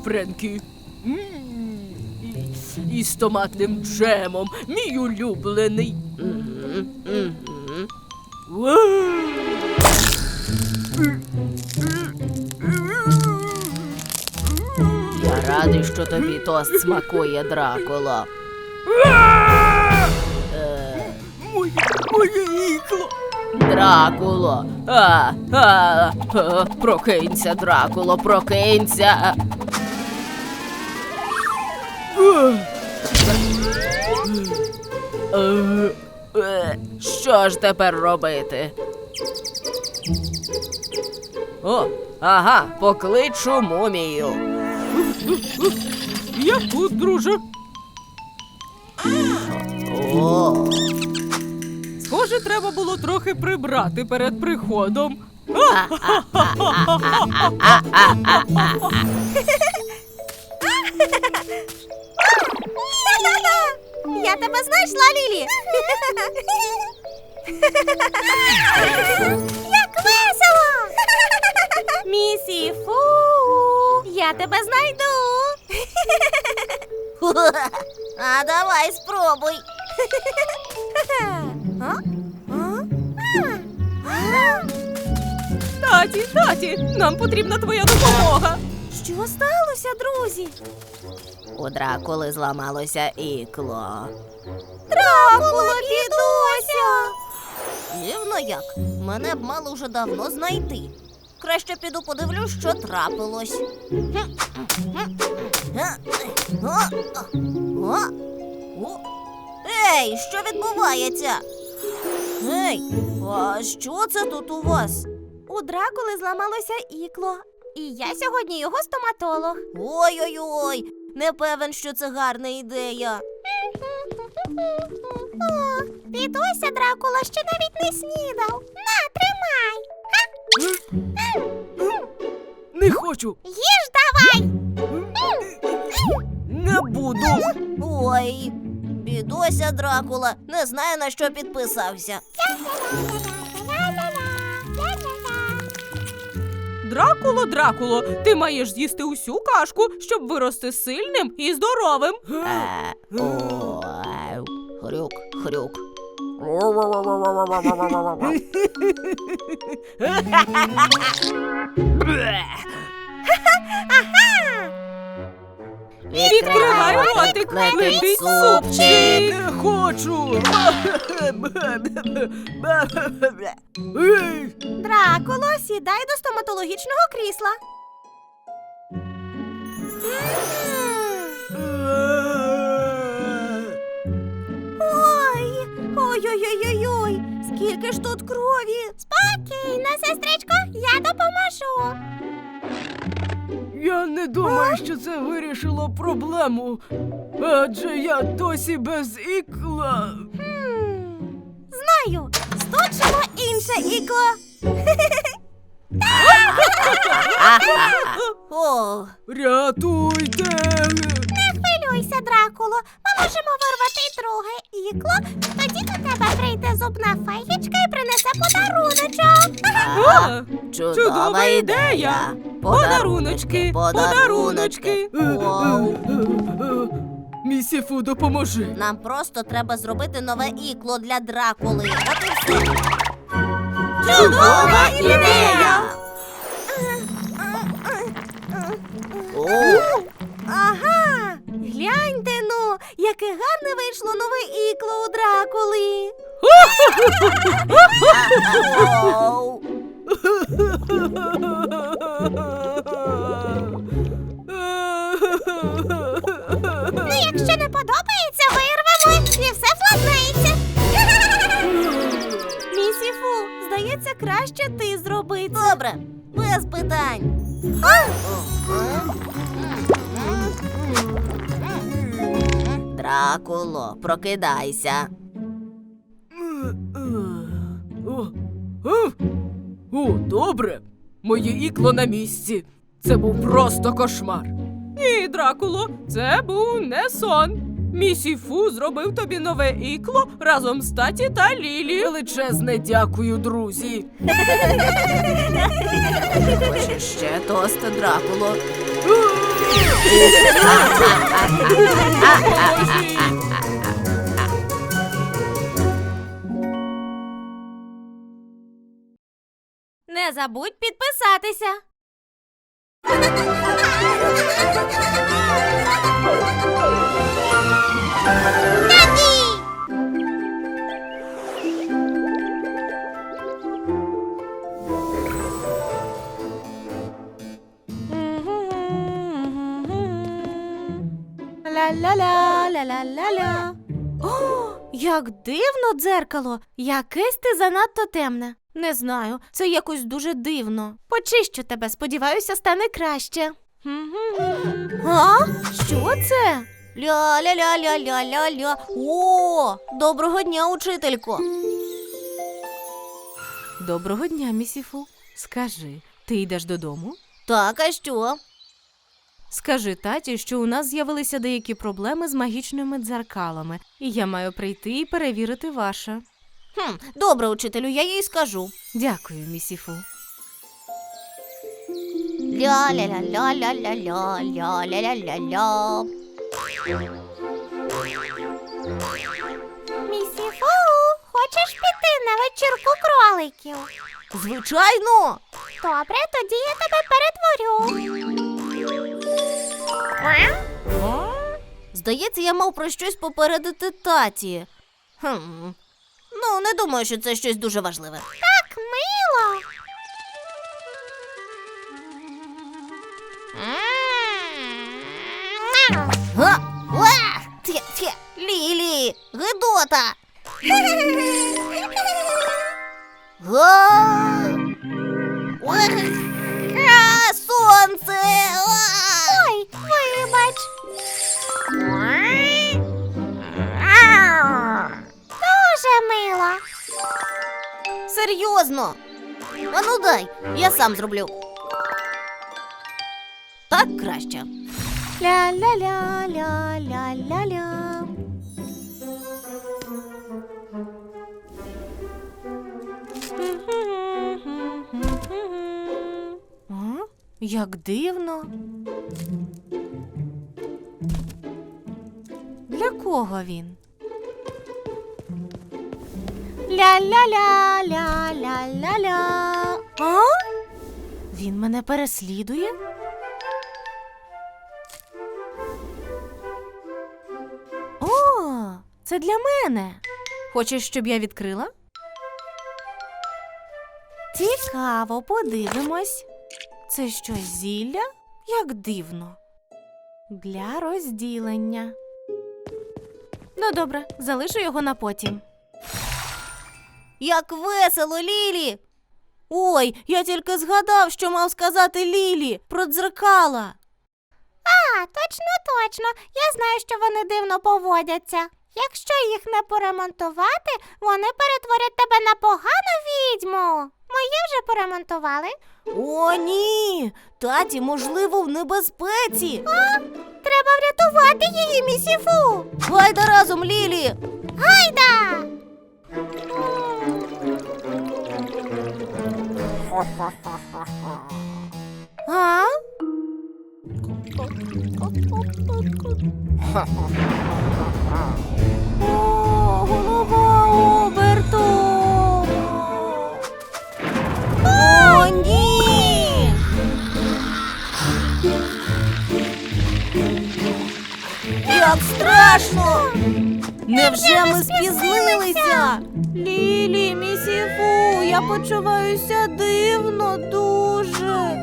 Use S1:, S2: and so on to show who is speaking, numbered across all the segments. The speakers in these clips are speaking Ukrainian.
S1: Френкі. І з томатним джемом, мій улюблений.
S2: Я радий, що тобі тост смакує, Дракуло.
S1: Моє ікло.
S2: Дракуло. Прокинься, Дракуло, прокинься. Що ж тепер робити? О, ага, покличу мумію.
S1: Я тут, друже.
S2: О,
S1: Схоже, треба було трохи прибрати перед приходом.
S3: Я тебе знайшла, Лілі! Як весело! Місіфу! Я тебе знайду! А давай спробуй!
S1: Таті, нам потрібна твоя допомога.
S3: Що сталося, друзі?
S2: у Дракули зламалося ікло.
S3: Дракула, бідося!
S2: Дивно як. Мене б мало вже давно знайти. Краще піду подивлюсь, що трапилось. Ей, що відбувається? Ей, а що це тут у вас?
S3: У Дракули зламалося ікло. І я сьогодні його стоматолог.
S2: Ой-ой-ой, не певен, що це гарна ідея.
S3: О, бідося, Дракула, ще навіть не снідав. На, тримай.
S1: Не хочу.
S3: Їж давай.
S1: Не буду.
S2: Ой, бідося, Дракула, не знаю, на що підписався.
S1: Дракуло, ти маєш з'їсти усю кашку, щоб вирости сильним і здоровим.
S2: Хрюк, хрюк.
S1: Відкривай ротик,
S2: летить
S1: супчик. Не хочу.
S3: Дракуло, сідай до стоматологічного крісла. Ой-ой-ой-ой-ой, скільки ж тут крові. Спокійно, сестричко, я допоможу.
S1: Я не думаю, що це вирішило проблему, адже я досі без ікла.
S3: Знаю, сточимо інше ікло.
S2: О,
S1: Рятуйте!
S3: Не хвилюйся, Дракуло, ми можемо вирвати друге ікло, тоді до тебе прийде зубна феєчка і принесе подаруночок.
S2: чудова ідея.
S1: Подаруночки, подаруночки.
S2: Вау.
S1: Місіфу, допоможи.
S2: Нам просто треба зробити нове ікло для Дракули. От і все.
S3: Чудова ідея!
S2: О,
S3: Ага, гляньте ну, яке гарне вийшло нове ікло у Дракули.
S2: вау.
S3: Ну, якщо не подобається, вирвемо і все владнається. Місіфу, здається, краще ти зроби це.
S2: Добре, без питань. Дракуло, прокидайся.
S1: О, добре. Моє ікло на місці. Це був просто кошмар. Ні, Дракуло, це був не сон. Місіфу зробив тобі нове ікло разом з Таті та Лілі. Величезне дякую, друзі.
S2: Хочеш ще тост, Дракуло?
S3: Не забудь підписатися. Ла-ла-ла, ла-ла-ла-ла. О, як дивно дзеркало! Якесь ти занадто темне. Не знаю, це якось дуже дивно. Почищу тебе, сподіваюся, стане краще. А? Що це?
S2: Ля-ля-ля-ля-ля-ля-ля. О, доброго дня, учителько.
S1: Доброго дня, місіфу. Скажи, ти йдеш додому?
S2: Так, а що?
S1: Скажи таті, що у нас з'явилися деякі проблеми з магічними дзеркалами, і я маю прийти і перевірити ваше.
S2: Добре, учителю, я їй скажу.
S1: Дякую, місіфу.
S2: Ля-ля-ля-ля-ля-ля-ля, ля-ля-ля-ля-ля.
S3: Місіфу, хочеш піти на вечірку кроликів?
S2: Звичайно.
S3: Добре, тоді я тебе перетворю.
S2: Здається, я мав про щось попередити таті. Ну, не думаю, що це щось дуже важливе.
S3: Так мило.
S2: Га! Уа! Тє! Лілі! Гидота! Га! Уа! Сонце!
S3: Ой, вибач. Дуже мило.
S2: Серйозно? Ану дай, я сам зроблю. Так краще.
S3: Ля-ля-ля-ля-ля-ля-ля.
S1: А? Як дивно. Для кого він?
S3: Ля-ля-ля-ля-ля-ля-ля.
S1: А? Він мене переслідує? О, це для мене. Хочеш, щоб я відкрила? Цікаво, подивимось. Це щось зілля? Як дивно. Для розділення. Ну, добре, залишу його на потім.
S2: Як весело, Лілі! Ой, я тільки згадав, що мав сказати Лілі про дзеркала.
S3: А, точно. Я знаю, що вони дивно поводяться. Якщо їх не поремонтувати, вони перетворять тебе на погану відьму. Мої вже поремонтували.
S2: О, ні! Таті, можливо, в небезпеці.
S3: Треба врятувати її, місіфу.
S2: Гайда разом, Лілі!
S3: Гайда!
S1: А? О, голова оберту.
S2: О, ні! Як страшно! Невже ми спізнилися?
S1: Лілі, місіфу, я почуваюся дивно дуже.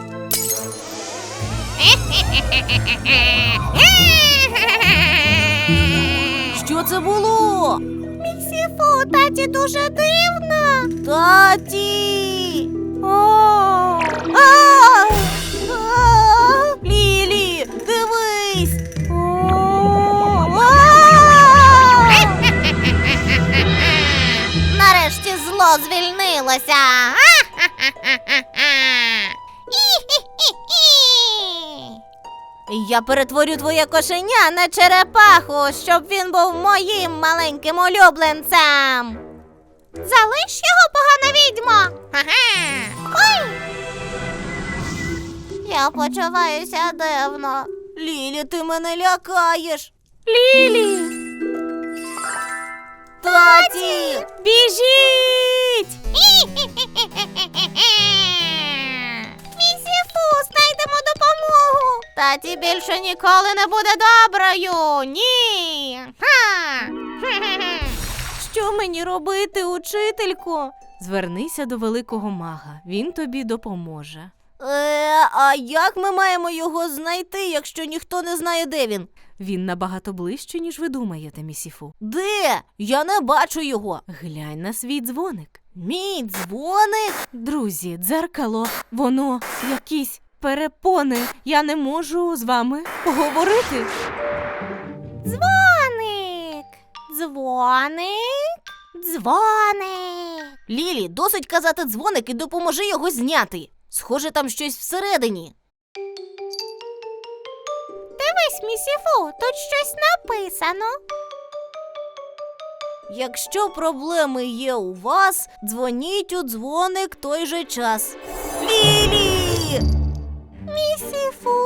S2: Що це було?
S3: Місіфу, таті дуже дивно.
S2: Таті!
S3: О!
S2: Лілі, дивись! Нарешті зло звільнилося. Я перетворю твоє кошеня на черепаху, щоб він був моїм маленьким улюбленцем.
S3: Залиш його, погана відьмо. Ой!
S2: Я почуваюся дивно. Лілі, ти мене лякаєш.
S3: Лілі!
S2: Таті!
S3: Біжіть!
S2: Місіфу, знайдемо допомогу. Таті більше ніколи не буде доброю. Ні. Ха.
S3: Що мені робити, учителько? Звернися до великого мага, він тобі допоможе.
S2: А як ми маємо його знайти, якщо ніхто не знає, де він?
S3: Він набагато ближче, ніж ви думаєте, місіфу.
S2: Де? Я не бачу його.
S3: Глянь на свій дзвоник.
S2: Мій дзвоник?
S3: Друзі, дзеркало, воно якісь перепони. Я не можу з вами поговорити.
S2: Дзвоник. Дзвоник. Дзвоник. Лілі, досить казати дзвоник і допоможи його зняти. Схоже, там щось всередині.
S3: Дивись, місіфу, тут щось написано.
S2: Якщо проблеми є у вас, дзвоніть у дзвоник той же час. Лілі!
S3: Місіфу?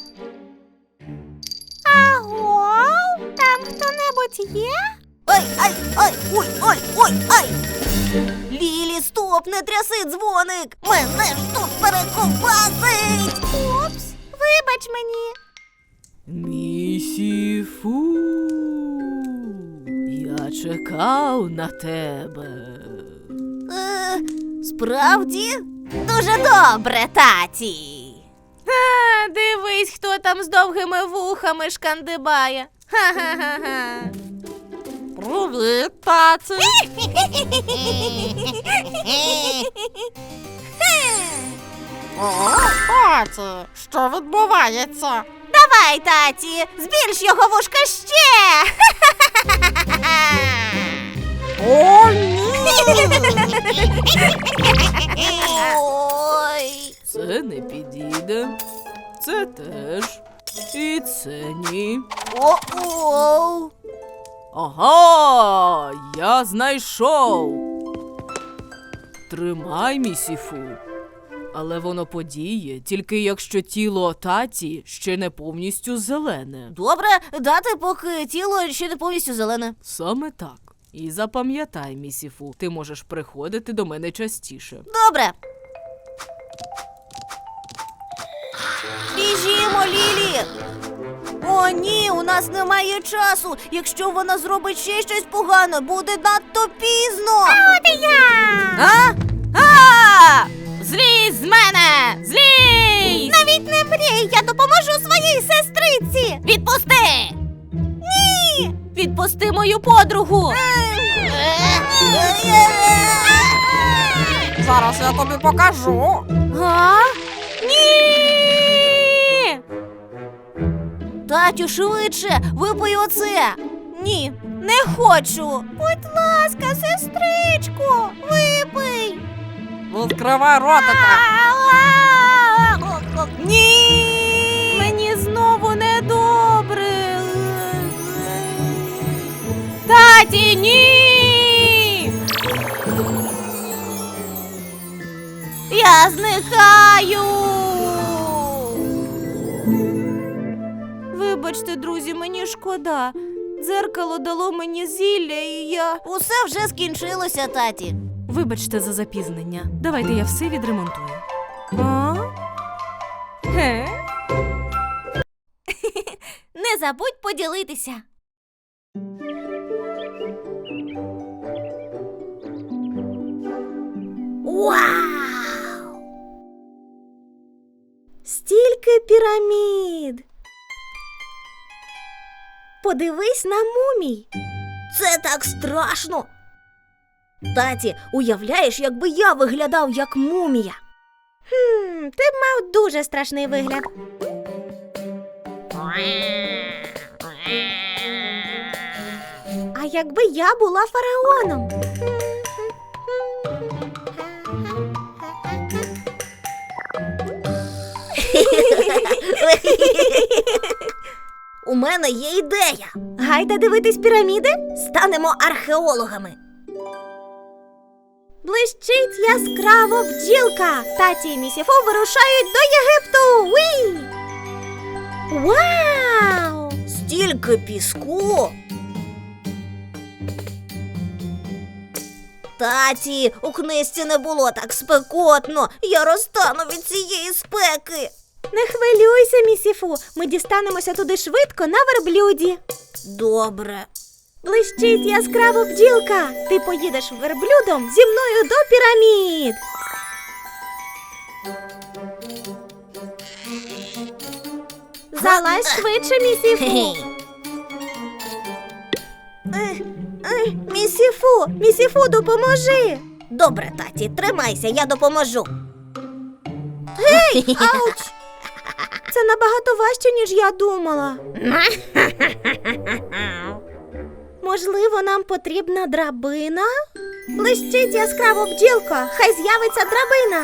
S3: Аго? Там хто-небудь є?
S2: Ой! Лілі, стоп, не тряси дзвоник! Мене ж тут перековбасить!
S3: Упс, вибач мені.
S1: Місіфу, я чекав на тебе.
S2: Справді? Дуже добре, таті!
S3: Дивись, хто там з довгими вухами шкандибає. Ха-ха-ха-ха.
S1: Привіт, таці.
S2: Таті, що відбувається? Давай, таті, збільш його вушка ще!
S1: О, ні!
S2: Ой!
S1: Це не підійде. Це теж. І це ні.
S2: О-оу!
S1: Ага, я знайшов. Тримай, місіфу. Але воно подіє, тільки якщо тіло таті ще не повністю зелене.
S2: Добре, дати, поки тіло ще не повністю зелене.
S1: Саме так. І запам'ятай, місіфу, ти можеш приходити до мене частіше.
S2: Добре. Біжімо, Лілі! О, ні, у нас немає часу. Якщо вона зробить ще щось погане, буде надто пізно.
S3: От і я! Злізь з мене! Злізь!
S2: Навіть не мрій, я допоможу своїй сестриці.
S3: Відпусти!
S2: Ні!
S3: Відпусти мою подругу!
S1: Зараз я тобі покажу.
S3: А? Ні!
S2: Татю, швидше, випий оце. Ні, не хочу. Будь ласка, сестричко, випий.
S1: Відкривай ротика.
S2: Ні!
S3: Мені знову недобре. Таті, ні!
S2: Я зникаю.
S3: Вибачте, друзі, мені шкода. Дзеркало дало мені зілля, і я...
S2: Усе вже скінчилося, таті.
S3: Вибачте за запізнення. Давайте я все відремонтую. А? Ге?
S2: Не забудь поділитися. Вау!
S3: Стільки пірамід. Подивись на мумій.
S2: Це так страшно. Таті, уявляєш, якби я виглядав як мумія?
S3: Ти б мав дуже страшний вигляд. А якби я була фараоном?
S2: У мене є ідея.
S3: Гайда дивитись піраміди?
S2: Станемо археологами.
S3: Блищить яскраво бджілка. Таті і Місіфу вирушають до Єгипту. Уі! Вау!
S2: Стільки піску. Таті, у книжці не було так спекотно. Я розтану від цієї спеки.
S3: Не хвилюйся, Місіфу. Ми дістанемося туди швидко на верблюді.
S2: Добре.
S3: Блищить яскраво бджілка. Ти поїдеш верблюдом зі мною до пірамід. Залазь швидше, Місіфу. Місіфу, допоможи.
S2: Добре, таті, тримайся, я допоможу.
S3: Ауч! Це набагато важче, ніж я думала. Можливо, нам потрібна драбина? Блищить яскраво бджілка, хай з'явиться драбина.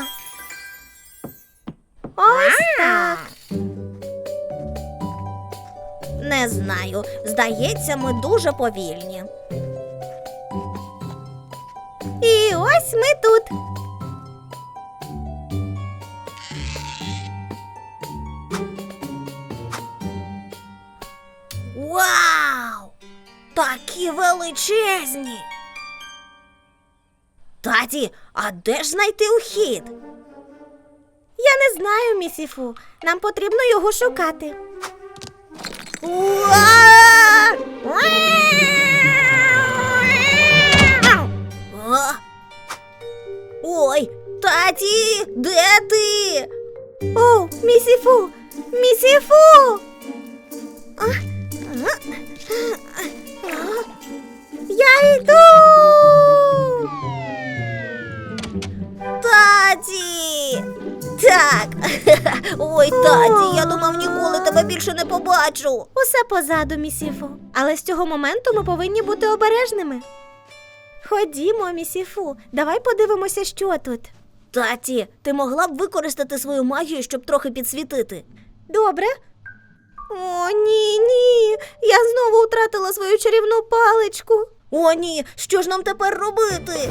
S3: Ось так.
S2: Не знаю. Здається, ми дуже повільні.
S3: І ось ми тут.
S2: Вау! Такі величезні! Таті, а де ж знайти ухід?
S3: Я не знаю, Місіфу. Нам потрібно його шукати.
S2: А? Ой, таті, де ти?
S3: О, Місіфу! Місіфу! Я йду!
S2: Таті! Так. Ой, таті, я думав, ніколи тебе більше не побачу.
S3: Усе позаду, Місіфу. Але з цього моменту ми повинні бути обережними. Ходімо, Місіфу, давай подивимося, що тут.
S2: Таті, ти могла б використати свою магію, щоб трохи підсвітити?
S3: Добре? О, ні. Я знову втратила свою чарівну паличку.
S2: О, ні, що ж нам тепер робити?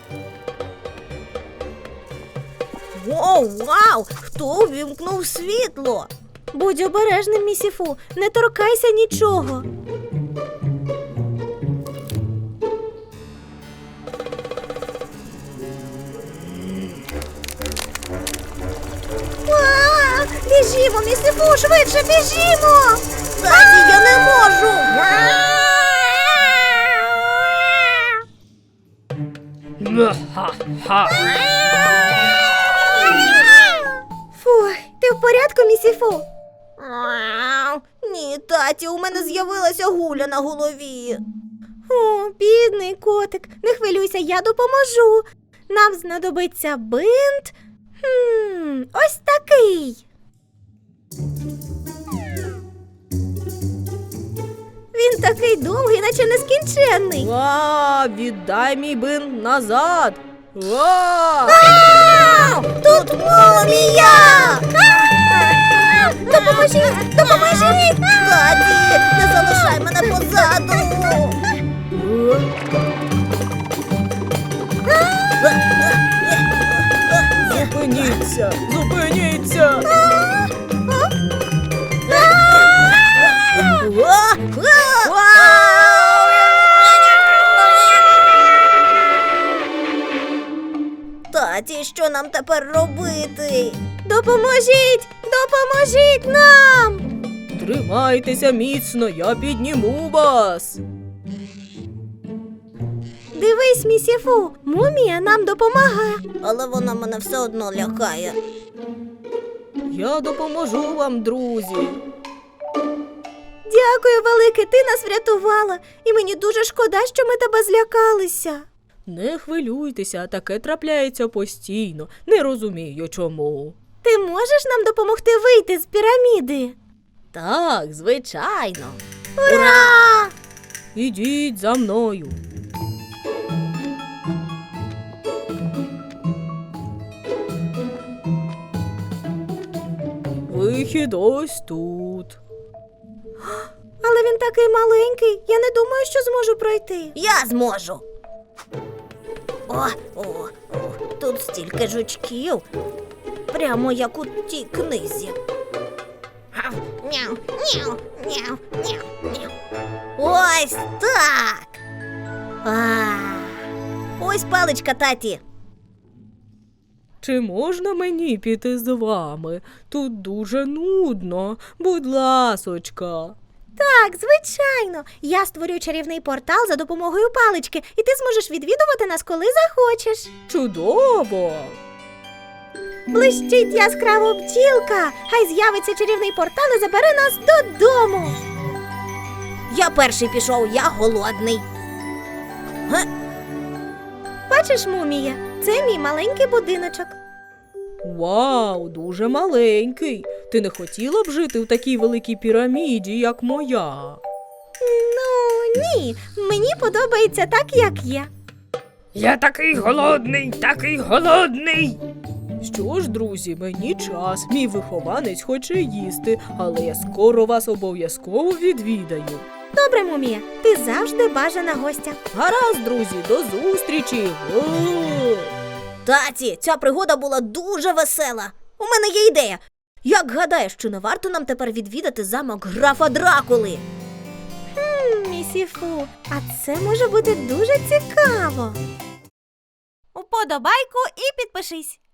S2: О, вау! Хто увімкнув світло?
S3: Будь обережним, Місіфу, не торкайся нічого. Біжімо, Місіфу, швидше біжімо!
S2: Таті, я не можу!
S3: Фух, ти в порядку, Місіфу?
S2: Ні, таті, у мене з'явилася гуля на голові.
S3: О, бідний котик, не хвилюйся, я допоможу. Нам знадобиться бинт. Ось такий. Він такий довгий, наче нескінченний.
S1: Віддай мій бинт назад.
S2: Тут мумія!
S3: Допоможіть! Допоможіть!
S2: Таті, не залишай мене позаду!
S1: Зупиніться! Зупиніться!
S2: Таті, що нам тепер робити?
S3: Допоможіть! Допоможіть нам!
S1: Тримайтеся міцно, я підніму вас.
S3: Дивись, Місіфу, мумія нам допомагає.
S2: Але вона мене все одно лякає.
S1: Я допоможу вам, друзі.
S3: Дякую, велике, ти нас врятувала. І мені дуже шкода, що ми тебе злякалися.
S1: Не хвилюйтеся, таке трапляється постійно. Не розумію, чому.
S3: Ти можеш нам допомогти вийти з піраміди?
S1: Так, звичайно.
S3: Ура!
S1: Ідіть за мною. Вихід ось тут.
S3: Але він такий маленький, я не думаю, що зможу пройти.
S2: Я зможу. О, тут стільки жучків. Прямо як у тій книзі. Няу, няу, няу, няу, няу. Ось так. Ось паличка, таті.
S1: Чи можна мені піти з вами? Тут дуже нудно. Будь ласочка.
S3: Так, звичайно. Я створю чарівний портал за допомогою палички, і ти зможеш відвідувати нас, коли захочеш.
S1: Чудово!
S3: Блищить яскраво бджілка. Хай з'явиться чарівний портал і забере нас додому.
S2: Я перший пішов, я голодний.
S3: Бачиш, мумія, це мій маленький будиночок.
S1: Вау, дуже маленький. Ти не хотіла б жити в такій великій піраміді, як моя?
S3: Ну, ні, мені подобається так, як є.
S1: Я такий голодний, такий голодний. Що ж, друзі, мені час. Мій вихованець хоче їсти, але я скоро вас обов'язково відвідаю.
S3: Добре, мумія, ти завжди бажана гостя.
S1: Гаразд, друзі, до зустрічі.
S2: Таті, ця пригода була дуже весела. У мене є ідея. Як гадаєш, чи не варто нам тепер відвідати замок графа Дракули?
S3: Місіфу, а це може бути дуже цікаво. Уподобайку і підпишись.